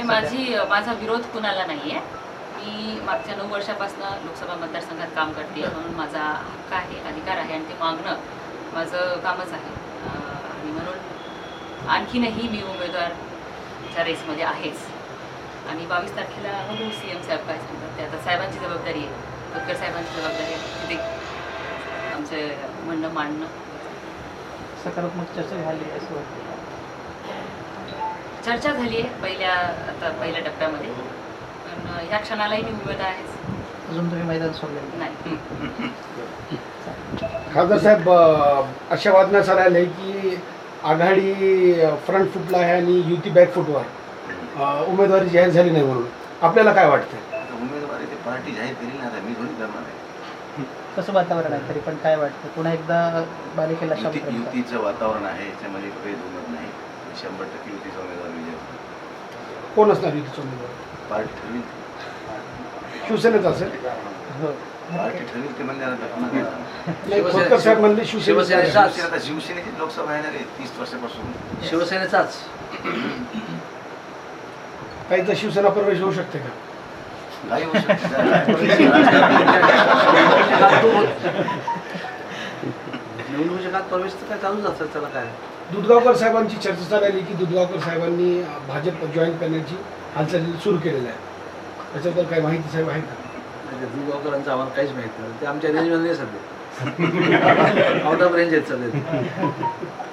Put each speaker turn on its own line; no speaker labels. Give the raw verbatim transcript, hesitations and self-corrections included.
माझी माझा विरोध कुणाला नाही आहे. मी मागच्या नऊ वर्षापासून लोकसभा मतदारसंघात काम करते, म्हणून माझा हक्क आहे, अधिकार आहे आणि ते मागणं माझं कामच आहे. आणि म्हणून आणखीनही मी उमेदवारच्या रेसमध्ये आहेच. आणि बावीस तारखेला बघू सी एम साहेब काय सांगतात ते. आता साहेबांची जबाबदारी आहे, तटकर साहेबांची जबाबदारी आहे तिथे आमचं म्हणणं मांडणं.
सकारात्मक चर्चा झाली असं वाटतं.
चर्चा झाली आहे पहिल्या आता पहिल्या टप्प्यामध्ये, पण ह्या क्षणालाही मी उमेदवार आहेच.
अजून तुम्ही मैदान सोडलेलं
नाही.
खासदार साहेब, अशा वादनास आले की आघाडी फ्रंट फुटला आहे आणि युती बॅक फुटवर उमेदवारी जाहीर झाली नाही, म्हणून आपल्याला काय वाटतं?
उमेदवारी ते पार्टी जाहीर केली नाही, मी थोडी करणार आहे.
कसं वातावरण आहे तरी पण काय वाटतं? पुन्हा एकदा बालिकेला
युती युतीचं वातावरण आहे, याच्यामध्ये काही दुमत नाही. शंभर टक्के युतीचा उमेदवार विजय होतो.
कोण असणार युतीचा उमेदवार?
पार्टी ठरवील,
शिवसेनेच असेल.
हो.
पार्टी ठरवील ते म्हणजे
खोतकर साहेब म्हणले शिवसेनेचा.
आता शिवसेनेची लोकसभा येणार आहे तीस वर्षापासून.
शिवसेनेचाच
काही तर शिवसेना प्रवेश होऊ शकते का?
काही होऊ शकतं.
निवडणुकीच्या काळात प्रवेश तर काय चालूच असतात, त्याला काय.
दुधगावकर साहेबांची चर्चा चालली की दुधगावकर साहेबांनी भाजप जॉईन करण्याची हालचाली सुरू केलेल्या आहे, त्याच्याबद्दल काही माहिती साहेब आहे का?
दुधगावकरांचं आम्हाला काहीच माहित नाही, ते आमच्या रेंजमध्ये नाही सध्या. आउट ऑफ रेंज आहेत सध्या.